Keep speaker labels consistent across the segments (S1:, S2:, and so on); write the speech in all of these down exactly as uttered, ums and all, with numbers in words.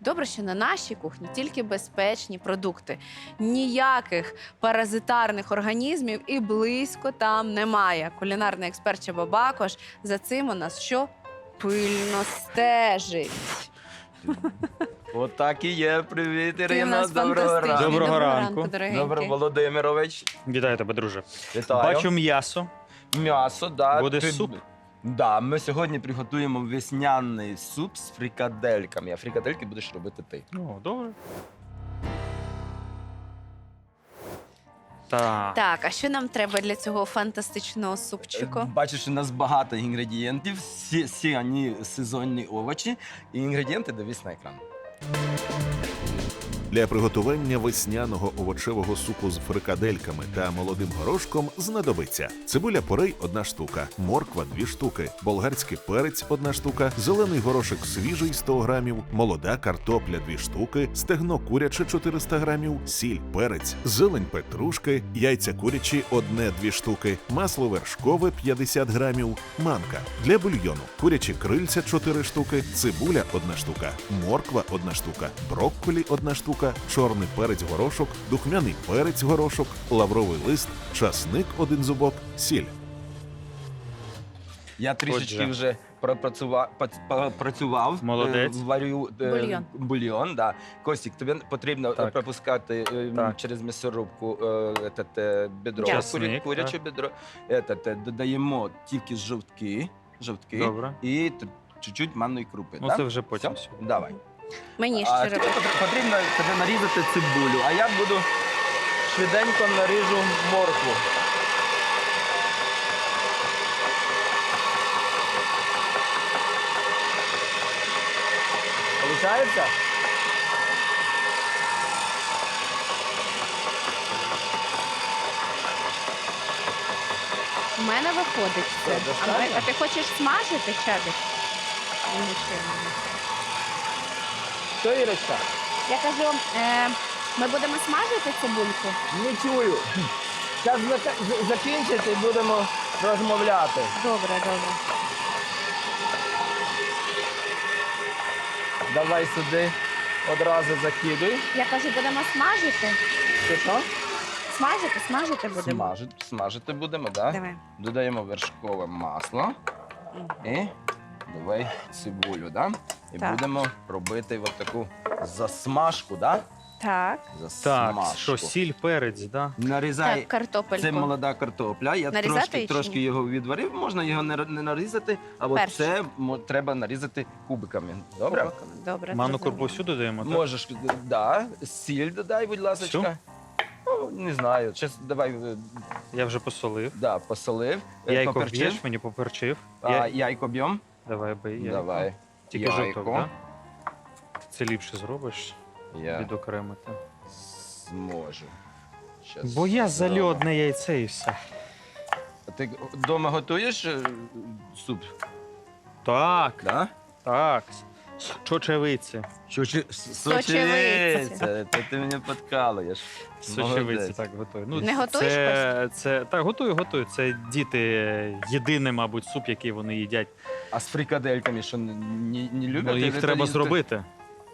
S1: Добре, що на нашій кухні тільки безпечні продукти. Ніяких паразитарних організмів і близько там немає. Кулінарний експерт Чаба Бакош за цим у нас що? Пильно стежить.
S2: Отак і є. Привіт,
S1: Ти у
S2: Ірина.
S1: нас
S2: Доброго
S1: фантастичний.
S2: ранку.
S3: Доброго ранку.
S1: дорогенький.
S2: Доброго, Володимирович.
S3: Вітаю тебе, друже.
S2: Вітаю.
S3: Бачу м'ясо.
S2: М'ясо, да.
S3: Буде
S2: Ти-
S3: суп?
S2: Да, ми сьогодні приготуємо весняний суп з фрикадельками. А фрикадельки будеш робити ти.
S3: О, добре. Так.
S1: Так, а що нам треба для цього фантастичного супчику?
S2: Бачиш, у нас багато інгредієнтів, всі, всі вони сезонні овочі, і інгредієнти дивись на екран.
S4: Для приготування весняного овочевого супу з фрикадельками та молодим горошком знадобиться цибуля порей – одна штука, морква – дві штуки, болгарський перець – одна штука, зелений горошок свіжий – сто грамів, молода картопля – дві штуки, стегно куряче – чотириста грамів, сіль, перець, зелень петрушки, яйця курячі – одне-дві штуки, масло вершкове – п'ятдесят грамів, манка. Для бульйону – курячі крильця – чотири штуки, цибуля – одна штука, морква – одна штука, брокколі – одна штука, чорний перець-горошок, духмяний перець-горошок, лавровий лист, часник – один зубок, сіль.
S2: Я трішечки
S3: Отже.
S2: вже пропрацював, працював,
S3: Молодець.
S2: варю е,
S1: Бульйон.
S2: бульйон, да. Костік, тобі потрібно
S3: Так.
S2: пропускати е,
S3: Так.
S2: через м'ясорубку е, этот, е, бедро,
S3: Часник,
S2: куря- куряче
S3: так.
S2: бедро. Этот, е, додаємо тільки жовтки, жовтки
S3: Добре.
S2: і т- чуть-чуть манної крупи.
S3: Ну,
S2: да?
S3: це вже потім
S2: Все?
S3: сьогодні.
S2: Давай.
S1: Мені
S2: А
S1: що
S2: тобі
S1: робити?
S2: потр- потрібно тобі нарізати цибулю, а я буду швиденько наріжу моркву. Получається?
S1: У мене виходить це.
S2: Що,
S1: А,
S2: достатньо?
S1: ми- а ти хочеш смажити, Чабік? Нічого.
S2: Що, Ірочка?
S1: Я кажу, е, ми будемо смажити цибульку?
S2: Не чую. Зараз закінчити і будемо розмовляти.
S1: Добре, добре.
S2: Давай сюди одразу закидуй.
S1: Я кажу, будемо смажити?
S2: Що, що?
S1: Смажити, смажити будемо.
S2: Смажити, смажити будемо, так? Да?
S1: Давай.
S2: Додаємо вершкове масло
S1: Мгм.
S2: і давай цибулю, да? І
S1: Так.
S2: будемо робити от таку засмажку, да?
S1: Так.
S3: Так,
S2: Засмажку.
S3: що сіль, перець, да?
S2: Нарізай.
S1: Так, картопельку.
S2: Це молода картопля. Я
S1: Нарізати
S2: трошки,
S1: її чи
S2: трошки
S1: ні?
S2: його відварив. Можна його не р- не нарізати, а от
S1: Перше.
S2: це мо- треба нарізати кубиками. Добре?
S1: Кубиками. Добре.
S3: Манну
S1: зрозуміло.
S3: крупу всюди даємо, так?
S2: Можеш, да. Сіль додай, будь ласка.
S3: Всю?
S2: Ну, не знаю. Щас давай, е,
S3: Я вже посолив.
S2: да, посолив. е,
S3: Яйко
S2: поперчив.
S3: б'єш, мені поперчив.
S2: А,
S3: Я...
S2: яйко б'єм.
S3: Давай бий яйко.
S2: Давай.
S3: Тільки
S2: яйко.
S3: жовток, так? Це ліпше зробиш,
S2: Я
S3: відокремити.
S2: зможу. Щас
S3: Бо я
S2: зроблю.
S3: залю одне яйце і все.
S2: А ти вдома готуєш е, суп?
S3: Так,
S2: Да?
S3: так. Чочевиці.
S2: Чучі...
S1: Сочевиці.
S2: Це ти мене подкалуєш.
S3: Сочевиці
S2: Молодець.
S3: так готую. Ну,
S1: Не готуєш,
S3: це, це, так, готую, готую. Це діти єдиний, мабуть, суп, який вони їдять.
S2: А з фрикадельками, що не, не, не люблять?
S3: Ну, їх
S2: Це-
S3: треба
S2: це-
S3: зробити.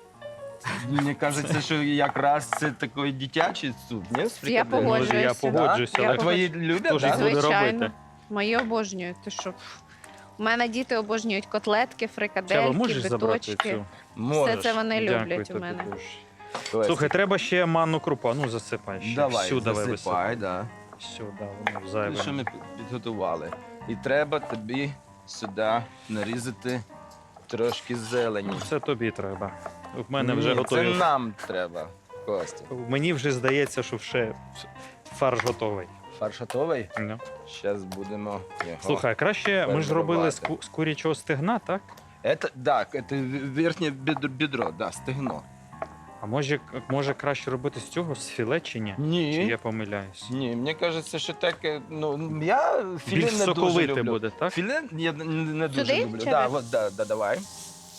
S2: Мені кажеться, що якраз це такий дитячий суп, ні? З
S1: Я
S2: фрикадельками?
S3: Ну,
S1: погоджуюся.
S3: я погоджуюся.
S1: Я
S2: А
S3: але
S2: твої люблять,
S3: Хто ж їх
S2: так?
S3: буде
S1: Звичайно.
S3: робити?
S1: Мої обожнюють. Ти що? У мене діти обожнюють котлетки,
S3: Чаба,
S1: фрикадельки,
S3: можеш забрати
S1: биточки.
S3: цю?
S2: Можеш.
S1: Все це вони
S3: Дякую
S1: люблять у
S3: тобі
S1: мене.
S3: дуже.
S2: Костя,
S3: Слухай, треба ще манну крупу. А ну засипай ще.
S2: давай,
S3: Всю давай
S2: засипай,
S3: висипай.
S2: да.
S3: Всю, да, воно
S2: Ну,
S3: зайве.
S2: що ми під- підготували. І треба тобі сюди нарізати трошки зелені.
S3: Це тобі треба. В мене вже
S2: Ні,
S3: готові.
S2: це нам треба, Костя.
S3: Мені вже здається, що вже фарш готовий.
S2: Фарш готовий?
S3: Ну.
S2: Зараз будемо його...
S3: Слухай, краще ми ж робили з, ку- з курячого стегна, так?
S2: Это, так, це верхнє бедро, бедро, да, стегно.
S3: А може, може краще робити з цього, з філе чи ні? Чи
S2: Ні,
S3: я помиляюсь?
S2: ні, мені кажеться, що так, е, ну, я філе
S3: Більш
S2: не дуже
S3: соковите
S2: люблю.
S3: буде, так?
S2: Філе я не, не дуже
S1: Сюди,
S2: люблю.
S1: чи
S2: Да,
S1: ви?
S2: вот, да, да, давай.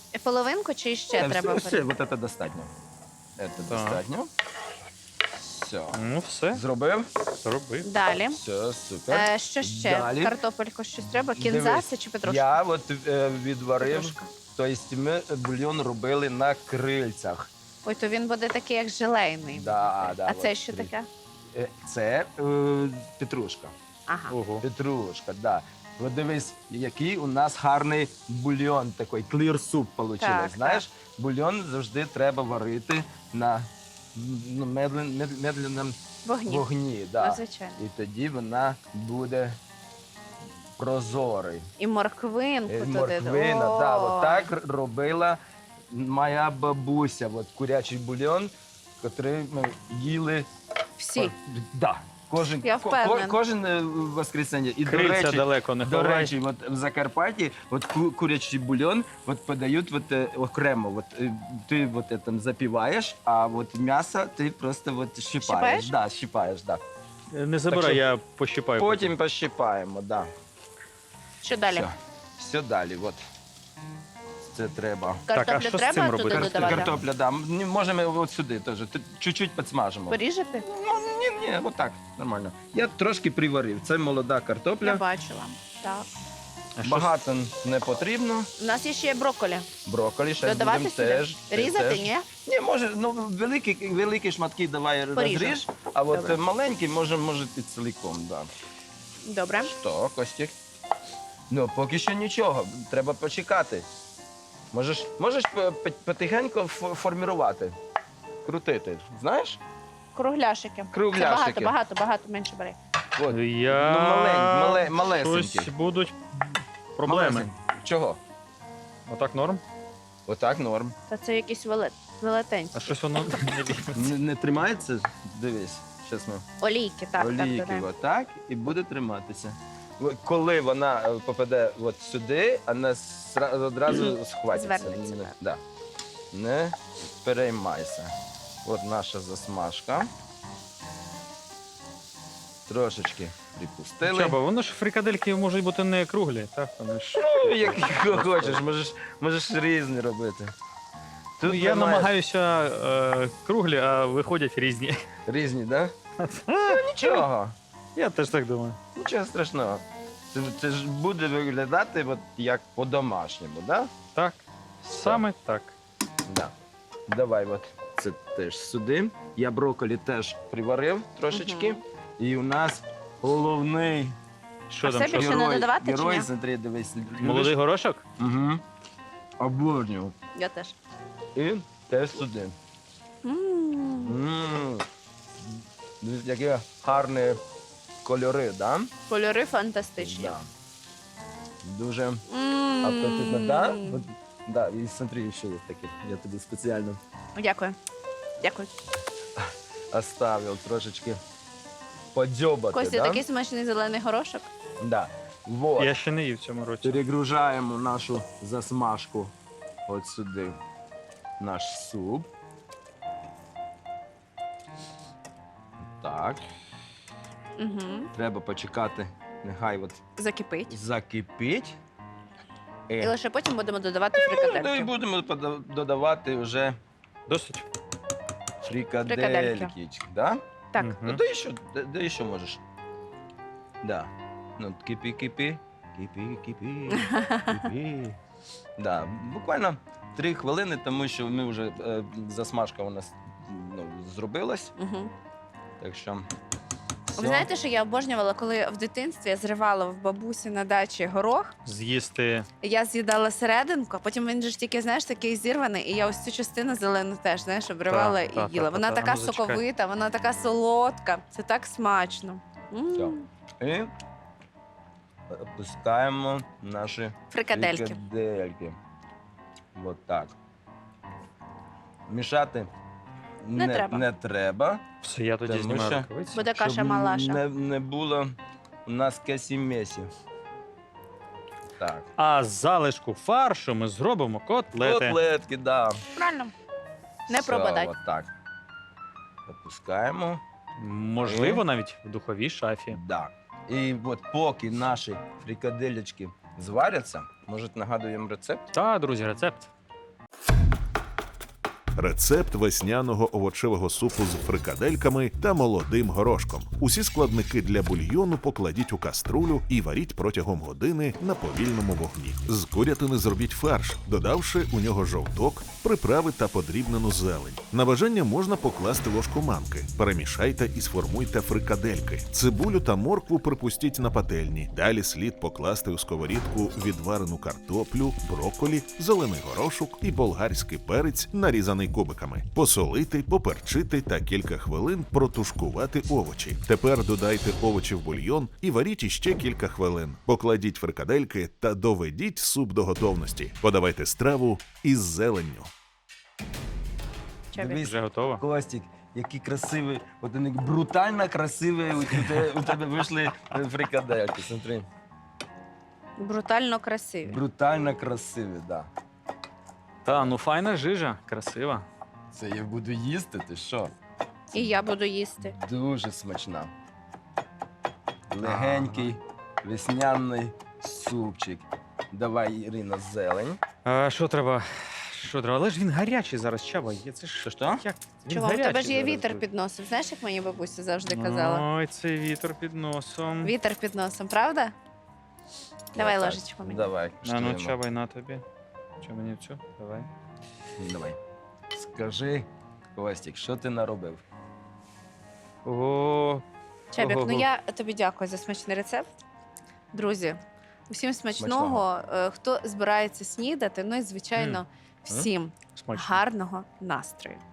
S1: Половинку чи ще
S2: Е,
S1: треба?
S2: все, все, вот это достатньо. Это
S3: Так.
S2: достатньо. Все.
S3: Ну, все,
S2: Зробив?
S3: зробив.
S1: Далі.
S2: Все, супер.
S1: Е, що ще?
S2: Далі.
S1: Картопельку щось треба?
S2: Дивись,
S1: Кінзаси чи петрушка?
S2: Я от е, відварив,
S1: Петрушка.
S2: тобто ми бульйон робили на крильцях.
S1: Ой, то він буде такий, як желейний.
S2: Да, да,
S1: а
S2: от
S1: це що
S2: криль-
S1: таке?
S2: Е, Це е, петрушка.
S1: Ага.
S3: Ого.
S2: Петрушка, да. От дивись, який у нас гарний бульйон такий, clear soup вийшло.
S1: Так,
S2: Знаєш, бульйон завжди треба варити на ну, медлен, мед- медленному
S1: Вогні.
S2: вогні. Да.
S1: Ну, звичайно.
S2: І тоді вона буде прозорий.
S1: І морквинку
S2: Е,
S1: туди.
S2: Морквина,
S1: О!
S2: да, от так р- робила моя бабуся. От курячий бульйон, який ми їли.
S1: Всі.
S2: О, Да. Кожен,
S1: Я
S2: ко-
S1: впевнена.
S2: ко- кожен е, воскресенье. І, до
S3: Крильця
S2: речі,
S3: далеко не
S2: до
S3: ховай.
S2: речі, от в Закарпатті от ку- курячий бульйон от подають от, е, окремо. От, е, ти от, е, там запіваєш, а от м'ясо ти просто от щипаєш.
S1: Щипаєш?
S2: Да, щипаєш, да.
S3: Не забирай,
S2: Так що
S3: я пощипаю.
S2: Потім пощипаємо, да.
S1: Що далі?
S2: Все, все далі. От. Це треба.
S3: Так, а
S1: Картоплю
S3: що з
S1: треба
S3: цим
S1: туди
S3: робити?
S1: додавати?
S2: Картопля, да. М, Можемо от сюди теж. Тут чуть-чуть підсмажимо.
S1: Поріжете?
S2: Ну, ні, ні, отак, нормально. Я трошки приварив. Це молода
S1: Я
S2: картопля.
S1: бачила. Так.
S3: А що
S2: Багато не потрібно.
S1: У нас є ще брокколі.
S2: Брокколі ще
S1: Додавати
S2: будемо
S1: сюди?
S2: теж.
S1: Різати,
S2: теж.
S1: ні?
S2: Ні, може, ну великі, великі шматки давай
S1: Поріжемо.
S2: розріж, а от
S1: Добре.
S2: маленькі може, може ти цілком, да.
S1: Добре.
S2: Що, Костік? Ну, поки що нічого, треба почекати. Можеш, можеш по- по- потихеньку фо- формувати, крутити, знаєш?
S1: Кругляшики.
S2: Кругляшики.
S1: Це багато, багато, багато, менше бери.
S2: От.
S3: Я...
S2: Ну, малень- мале- малесенькі.
S3: Щось будуть проблеми.
S2: Малесенькі. Чого?
S3: Отак норм?
S2: Отак норм.
S1: Та це якісь велет... велетенські.
S3: А щось воно не ліпиться.
S2: Не, не тримається? Дивись, зараз ми
S1: Олійки, так, так,
S2: олійки
S1: додаємо.
S2: отак і буде триматися. В- Коли вона е, попаде от сюди, вона сра- одразу схватиться.
S1: Звернеться,
S2: Не,
S1: так.
S2: да. Не переймайся. От наша засмажка. Трошечки припустили.
S3: Чаба, воно ж фрикадельки можуть бути не круглі, так? Вони ж...
S2: Ну, як хочеш, можеш, можеш різні робити. Тут
S3: Ну, я
S2: немає-
S3: намагаюся е, круглі, а виходять різні.
S2: Різні, так? Да? Ну, нічого.
S3: Я теж так думаю.
S2: Нічого страшного. Це, це ж буде виглядати от як по-домашньому, да?
S3: Так, саме так.
S2: Да. Давай, от це теж сюди. Я брокколі теж приварив трошечки.
S1: Мгм.
S2: І у нас головний
S3: Що
S1: А
S3: там?
S1: все
S3: Що?
S1: більше не
S2: герой,
S1: додавати чи
S2: герой,
S1: ні?
S2: смотри, дивись.
S3: Молодий горошок?
S2: Угу. Обожнюю.
S1: Я теж.
S2: І теж сюди.
S1: М.
S2: М. Дивись, які гарні кольори, да?
S1: Кольори фантастичні.
S2: Да. Дуже
S1: М.
S2: апетитно, да? От, да, і смотри, ще є таке. Я тобі спеціально
S1: Дякую. Дякую.
S2: оставив трошечки подзьобати,
S1: Костя,
S2: да?
S1: такий смачний зелений горошок.
S2: Да. Вот.
S3: Я ще не їв в цьому році.
S2: Перегружаємо нашу засмажку от сюди. Наш суп. Так.
S1: Угу.
S2: Треба почекати, нехай от
S1: Закипить.
S2: закипить. І,
S1: І лише потім будемо додавати
S2: ну, і
S1: фрикадельки.
S2: будемо пода- додавати вже
S3: Досить?
S2: фрикадельки. Да?
S1: Так.
S3: Мгм.
S2: Ну, да ще, да, да ще можеш. Да. Ну, кипі, кипі. Кипі, кипі, кипі. Да. Буквально три хвилини, тому що ми вже е, засмажка у нас ну, зробилась.
S1: Угу.
S2: Так що.
S1: Ви знаєте, що я обожнювала, коли в дитинстві я зривала в бабусі на дачі горох,
S3: З'їсти.
S1: я з'їдала серединку, а потім він же ж тільки, знаєш, такий зірваний, і я ось цю частину зелену теж, знаєш, обривала
S3: Так,
S1: і
S3: так,
S1: їла.
S3: так,
S1: Вона
S3: так,
S1: така
S3: ну, зачекай.
S1: соковита, вона така солодка. Це так смачно. М.
S2: Все. І опускаємо наші
S1: Фрикадельки.
S2: фрикадельки. Вот так. Мішати
S1: Не треба.
S2: Не треба,
S3: Все, я тоді
S2: Тому
S3: знімаю
S2: що-
S3: рукавиці.
S1: Буде каша
S2: щоб
S1: малаша.
S2: Не, не було у нас кесі-месі. Так.
S3: А з залишку фаршу ми зробимо котлети.
S2: Котлетки, да.
S1: Правильно. Не
S2: Все,
S1: пробадай.
S2: от так. Опускаємо.
S3: Можливо, навіть в духовій шафі.
S2: Да. І от поки наші фрикадельки зваряться, може нагадуємо рецепт?
S3: Та, друзі, рецепт.
S4: Рецепт весняного овочевого супу з фрикадельками та молодим горошком. Усі складники для бульйону покладіть у каструлю і варіть протягом години на повільному вогні. З курятини зробіть фарш, додавши у нього жовток, приправи та подрібнену зелень. На бажання можна покласти ложку манки. Перемішайте і сформуйте фрикадельки. Цибулю та моркву припустіть на пательні. Далі слід покласти у сковорідку відварену картоплю, брокколі, зелений горошок і болгарський перець, нарізаний кубиками. Посолити, поперчити та кілька хвилин протушкувати овочі. Тепер додайте овочі в бульйон і варіть іще кілька хвилин. Покладіть фрикадельки та доведіть суп до готовності. Подавайте страву із зеленню.
S1: Чабік.
S2: Дивись,
S3: Вже готово?
S2: Костік, який красивий, от вони брутально красиві, у тебе, у тебе вийшли фрикадельки, смотри.
S1: Брутально красиві.
S2: Брутально красиві, да.
S3: Та, ну файна жижа, красива.
S2: Це я буду їсти, ти що?
S1: І я буду їсти.
S2: Дуже смачна. Легенький, весняний супчик. Давай, Ірина, зелень.
S3: А, що треба? Що треба? Але ж він гарячий зараз, Чаба. Є це ж
S2: Що?
S3: як? Він
S1: Чого? У тебе
S3: гарячий
S1: ж є
S3: зараз
S1: вітер
S3: буде.
S1: під носом. Знаєш, як моя бабуся завжди казала?
S3: Ой, цей вітер під носом.
S1: Вітер під носом, правда? Давай
S2: Отак.
S1: ложечку мені.
S2: Давай,
S3: А ну,
S2: куштуємо.
S3: Чабай, на тобі. Чи мені цю? Давай.
S2: Давай. Скажи, Костік, що ти наробив?
S3: О,
S1: Чабік, ну
S3: Ого-го.
S1: я тобі дякую за смачний рецепт. Друзі, усім смачного. Е, Хто збирається снідати, ну і, звичайно, всім
S3: смачно.
S1: гарного настрою.